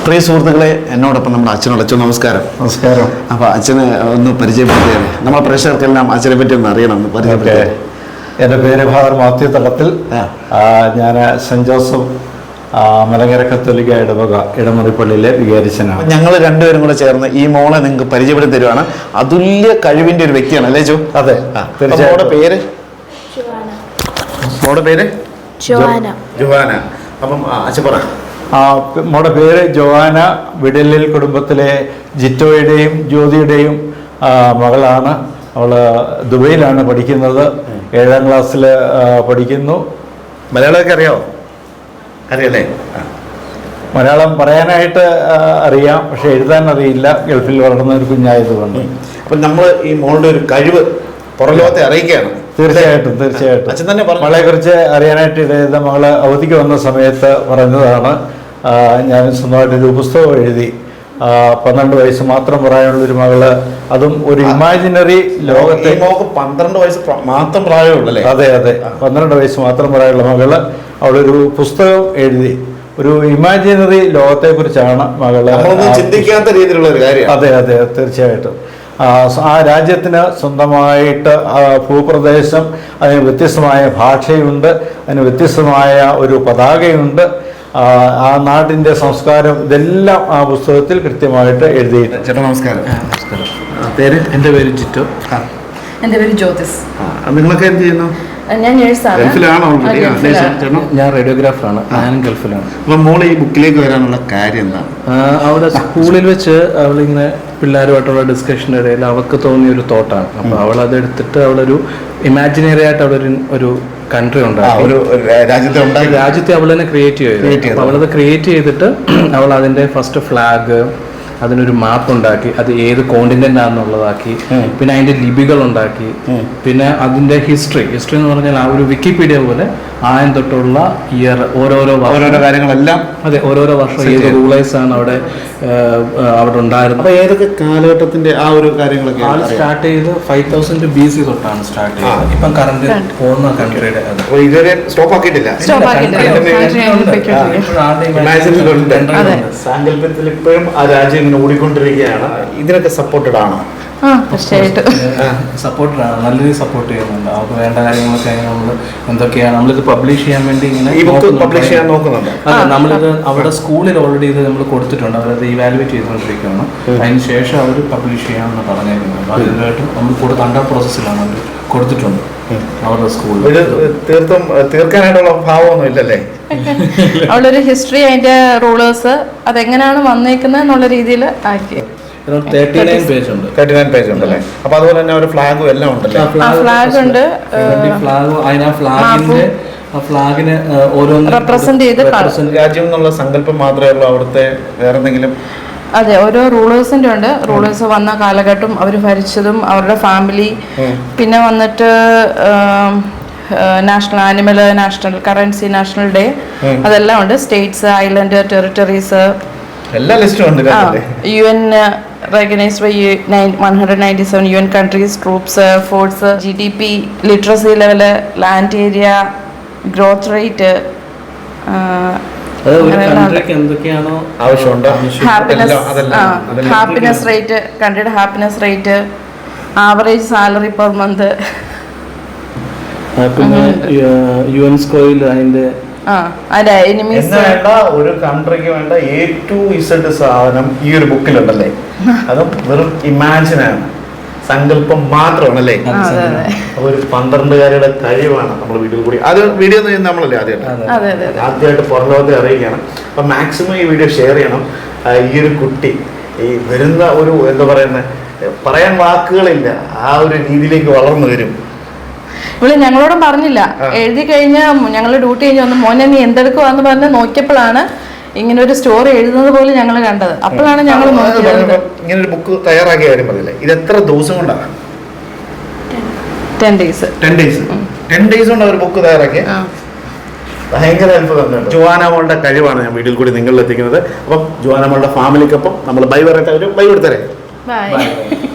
പ്രിയ സുഹൃത്തുക്കളെ, എന്നോടൊപ്പം നമ്മുടെ അച്ഛനോട്. അച്ഛൻ നമസ്കാരം. നമസ്കാരം. അപ്പോൾ അച്ഛന് ഒന്ന് പരിചയപ്പെടുത്തിയാൽ നമ്മളെ പ്രേക്ഷകർക്കെല്ലാം അച്ഛനെ പറ്റി ഒന്ന് അറിയണം. പരിചയപ്പെടുത്തിയാൽ. എൻ്റെ പേര് ഫാദർ മാത്യു തളത്തിൽ. ഞാൻ സെൻറ് ജോസഫ് മലങ്കര കത്തോലിക്ക ഇടവക ഇടമുറിപ്പള്ളിയിലെ വികാരിച്ചനാണ്. ഞങ്ങൾ രണ്ടുപേരും കൂടെ ചേർന്ന് ഈ മോളെ നിങ്ങൾക്ക് പരിചയപ്പെടുത്തി തരുവാണ്. അതുല്യ കഴിവിന്റെ ഒരു വ്യക്തിയാണ് അല്ലേ ജോ? അതെ, തീർച്ചയായും. പേര് മോളുടെ പേര് ജോവാന. അപ്പം അച്ഛൻ പറ. മോളുടെ പേര് ജോവാന. വിടലിൽ കുടുംബത്തിലെ ജിറ്റോയുടെയും ജ്യോതിയുടെയും മകളാണ്. അവൾ ദുബൈയിലാണ് പഠിക്കുന്നത്. 7ാം ക്ലാസ്സിൽ പഠിക്കുന്നു. മലയാളമൊക്കെ അറിയാമോ? അറിയല്ലേ? മലയാളം പറയാനായിട്ട് അറിയാം, പക്ഷെ എഴുതാൻ അറിയില്ല. ഗൾഫിൽ വളർന്ന ഒരു കുഞ്ഞായതുകൊണ്ട്. അപ്പം നമ്മൾ ഈ മോളുടെ ഒരു കഴിവ് പുറലോകത്തെ അറിയിക്കുകയാണ്. തീർച്ചയായിട്ടും. അച്ഛൻ തന്നെ മകളെ കുറിച്ച് അറിയാനായിട്ട് ഇടയത് മകള് അവധിക്ക് വന്ന സമയത്ത് പറഞ്ഞതാണ്. ഞാൻ സ്വന്തമായിട്ടൊരു പുസ്തകം എഴുതി. 12 വയസ്സ് മാത്രം പ്രായമുള്ളൊരു മകള്, അതും ഒരു ഇമാജിനറി ലോകത്തെ. 12 വയസ്സ് മാത്രം പ്രായമുള്ളല്ലേ? അതെ, 12 വയസ്സ് മാത്രം പ്രായമുള്ള മകള് അവളൊരു പുസ്തകം എഴുതി. ഒരു ഇമാജിനറി ലോകത്തെ കുറിച്ചാണ് മകള്. ചിന്തിക്കാത്ത രീതിയിലുള്ള ഒരു കാര്യം. അതെ, തീർച്ചയായിട്ടും. ആ രാജ്യത്തിന് സ്വന്തമായിട്ട് ഭൂപ്രദേശം, അതിന് വ്യത്യസ്തമായ ഭാഷയുണ്ട്, അതിന് വ്യത്യസ്തമായ ഒരു പതാകയുണ്ട്. ആ നാടിൻ്റെ സംസ്കാരം, ഇതെല്ലാം ആ പുസ്തകത്തിൽ കൃത്യമായിട്ട് എഴുതിയിട്ടുണ്ട്. ചേട്ടാ നമസ്കാരം. പേര്? എൻ്റെ പേര് ജിറ്റോ. എൻ്റെ പേര് ജ്യോതിസ്. നിങ്ങളൊക്കെ എന്ത് ചെയ്യുന്നു? ഞാൻ നേഴ്സാണ്. ഞാൻ റേഡിയോഗ്രാഫറാണ്. ഞാനും ഗൾഫിലാണ്. അപ്പം മോള് ഈ ബുക്കിലേക്ക് വരാനുള്ള കാര്യം എന്താണ്? അവിടെ സ്കൂളിൽ വെച്ച് അവളിങ്ങനെ പിള്ളേരുമായിട്ടുള്ള ഡിസ്കഷൻ്റെ ഇടയിൽ അവൾക്ക് തോന്നിയ ഒരു തോട്ടാണ്. അപ്പോൾ അവളതെടുത്തിട്ട് അവളൊരു ഇമാജിനറി ആയിട്ട് ഒരു കൺട്രി ഉണ്ടാക്കി, രാജ്യത്തെ അവൾ തന്നെ ക്രിയേറ്റ് ചെയ്തു. അപ്പോൾ അവളത് ക്രിയേറ്റ് ചെയ്തിട്ട് അവൾ അതിൻ്റെ ഫസ്റ്റ് ഫ്ലാഗ്, അതിനൊരു മാപ്പ് ഉണ്ടാക്കി, അത് ഏത് കോണ്ടിനെന്റ് ആണെന്നുള്ളതാക്കി, പിന്നെ അതിന്റെ ലിപികൾ ഉണ്ടാക്കി, പിന്നെ അതിന്റെ ഹിസ്റ്ററി എന്ന് പറഞ്ഞാൽ ആ ഒരു വിക്കിപീഡിയ പോലെ ആയം തൊട്ടുള്ള ഇയർ, ഓരോരോ കാര്യങ്ങളെല്ലാം. അതെ, ഓരോരോ വർഷം ഏത് റൂളേഴ്സ് ആണ് അവിടെ ഉണ്ടായിരുന്നത്. അപ്പൊ ഏതൊക്കെ കാലഘട്ടത്തിന്റെ ആ ഒരു കാര്യങ്ങളൊക്കെ സ്റ്റാർട്ട് ചെയ്ത് 5000 BC തൊട്ടാണ് സ്റ്റാർട്ട് ചെയ്തത്. ഇപ്പം കറണ്ട് പോകുന്ന കൺട്രിയുടെ ഇതുവരെ സ്റ്റോപ്പ് ആക്കിയിട്ടില്ല. സാങ്കല്പത്തിൽ ഇപ്പോഴും ആ രാജ്യം ഇങ്ങനെ ഓടിക്കൊണ്ടിരിക്കുകയാണ്. ഇതിനൊക്കെ സപ്പോർട്ടഡ് ആണോ? സപ്പോർട്ടഡ് ആണ്, നല്ല രീതിയിൽ സപ്പോർട്ട് ചെയ്യുന്നുണ്ട്. അവർക്ക് വേണ്ട കാര്യങ്ങളൊക്കെ നമ്മൾ എന്തൊക്കെയാണ് നമ്മളിത് പബ്ലിഷ് ചെയ്യാൻ വേണ്ടി ഇങ്ങനെ പബ്ലിഷ് ചെയ്യാൻ നോക്കുന്നുണ്ട്. അതെ, നമ്മളിത് അവിടെ സ്കൂളിൽ ഓൾറെഡി ഇത് നമ്മൾ കൊടുത്തിട്ടുണ്ട്. അവരത് ഇവാലുവേറ്റ് ചെയ്തുകൊണ്ടിരിക്കുകയാണ്. അതിന് ശേഷം അവർ പബ്ലിഷ് ചെയ്യാമെന്ന് പറഞ്ഞിരിക്കുന്നത്. അപ്പോൾ അതിനായിട്ട് നമ്മൾ അണ്ടർ പ്രോസസ്സിലാണ് അവർ കൊടുത്തിട്ടുണ്ട് അവരുടെ സ്കൂളിൽ. ഇത് തീർക്കാനായിട്ടുള്ള ഭാവമൊന്നും ഇല്ലല്ലേ? അവളൊരു ഹിസ്റ്ററി, അതിന്റെ റൂളേഴ്സ്, അതെങ്ങനെയാണ് വന്നേക്കുന്നത് എന്നുള്ള രീതിയിൽ ആക്കി. 39 പേജ് ഉണ്ട്. 39 പേജ് ഉണ്ടല്ലേ? അപ്പൊ അതുപോലെ തന്നെ ഒരു ഫ്ലാഗും എല്ലാം ഉണ്ടല്ലേ? ഫ്ലാഗ് ഉണ്ട്. ഫ്ലാഗിന് ഓരോന്ന് റെപ്രസെന്റ് ചെയ്ത് രാജ്യം എന്നുള്ള സങ്കല്പം മാത്രമേ ഉള്ളൂ. അവിടുത്തെ വേറെ എന്തെങ്കിലും? അതെ, ഓരോ റൂളേഴ്സിന്റെ ഉണ്ട്. റൂളേഴ്സ് വന്ന കാലഘട്ടം, അവർ ഭരിച്ചതും, അവരുടെ ഫാമിലി, പിന്നെ വന്നിട്ട് national animal, national currency, national day, അതെല്ലാം ഉണ്ട്. സ്റ്റേറ്റ്സ്, ഐലൻഡ്, ടെറിട്ടറീസ്, എല്ലാ ലിസ്റ്റും ഉണ്ട്. UN recognized by 197 UN countries, troops, force, GDP, literacy level, land area, growth rate, എന്തൊക്കെയാണോ ആവശ്യമുണ്ട്, ഹാപ്പിനെസ് റേറ്റ്, കൺട്രിയുടെ happiness rate, average salary per month, പിന്നെ യുനെസ്കോയിൽ അതിന്റെ ഒരു കൺട്രിക്ക് വേണ്ട A to Z സാധനം ഈ ഒരു ബുക്കിലുണ്ടല്ലേ? അതും വെറും ഇമാജിനാണ്, സങ്കല്പം മാത്രമാണല്ലേ? ഒരു 12കാരുടെ കഴിവാണ് നമ്മൾ വീഡിയോ കൂടി. അത് വീഡിയോ നമ്മളല്ലേ ആദ്യമായിട്ട് പുറലോകത്തെ അറിയിക്കണം. അപ്പൊ മാക്സിമം ഈ വീഡിയോ ഷെയർ ചെയ്യണം. ഈ ഒരു കുട്ടി ഈ വരുന്ന ഒരു എന്താ പറയുന്നത്, പറയാൻ വാക്കുകളില്ല, ആ ഒരു രീതിയിലേക്ക് വളർന്നു വരും. ഇവിടെ ഞങ്ങളോടും പറഞ്ഞില്ല. എഴുതി കഴിഞ്ഞ് ഞങ്ങൾ ഡ്യൂട്ടി കഴിഞ്ഞ് വന്ന്, മോനെ നീ എന്തെടുക്കുവാന്ന് പറഞ്ഞ് നോക്കിയപ്പോഴാണ് ഇങ്ങനെ ഒരു സ്റ്റോറി എഴുതുന്നത് പോലും ഞങ്ങൾ കണ്ടത്. അപ്പോഴാണ് ഞങ്ങൾ ഇങ്ങനെ ഒരു ബുക്ക് തയ്യാറാക്കിയ കാര്യം പറഞ്ഞില്ലേ? ഇത് എത്ര ദിവസം കൊണ്ടാണ്? 10 days. 10 days കൊണ്ട് ഒരു ബുക്ക് തയ്യാറാക്കിയ ഭയങ്കര അത്ഭുതം. ജോവാന മോളുടെ കഴിവാണ് ഞാൻ വീഡിയോയിൽ കൂടി നിങ്ങളിൽ എത്തിക്കുന്നത്. അപ്പം ജോവാന മോളുടെ ഫാമിലിക്കൊപ്പം നമ്മൾ ബൈ പറയട്ടെ. ഒരു ബൈ കൊടുത്തരേ. ബൈ.